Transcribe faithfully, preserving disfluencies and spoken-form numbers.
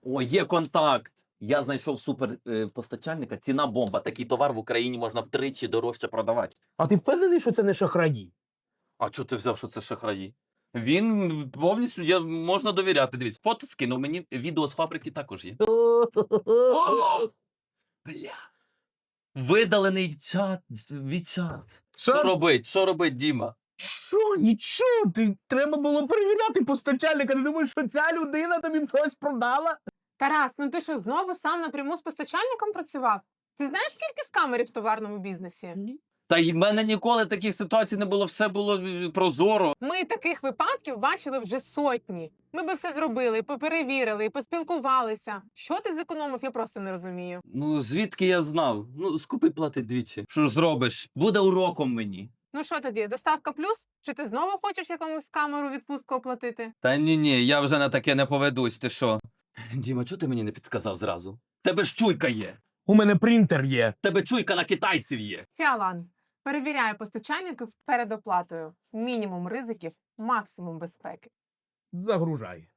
О, є контакт. Я знайшов суперпостачальника, ціна бомба. Такий товар в Україні можна втричі дорожче продавати. А ти впевнений, що це не шахраї? А чого ти взяв, що це шахраї? Він повністю я, можна довіряти. Дивіться, фото скинув мені, відео з фабрики також є. О! Бля. Видалений чат, відчат. Що Що? робить? Що робить, Діма? Що? Нічого, ти треба було перевіряти постачальника. Ти думаєш, що ця людина тобі щось продала? Тарас, ну ти що, знову сам напряму з постачальником працював? Ти знаєш, скільки скамерів в товарному бізнесі? Та й в мене ніколи таких ситуацій не було, все було е, прозоро. Ми таких випадків бачили вже сотні. Ми би все зробили, і поперевірили, і поспілкувалися. Що ти зекономив, я просто не розумію. Ну, звідки я знав? Ну, скупи платить двічі. Що ж зробиш? Буде уроком мені. Ну що тоді, доставка плюс? Чи ти знову хочеш якомусь камеру відпустку оплатити? Та ні-ні, я вже на таке не поведусь, ти що? Діма, чого ти мені не підказав зразу? Тебе ж чуйка є. У мене принтер є. Тебе чуйка на китайців є. Фіалан, перевіряю постачальників перед оплатою. Мінімум ризиків, максимум безпеки. Загружай.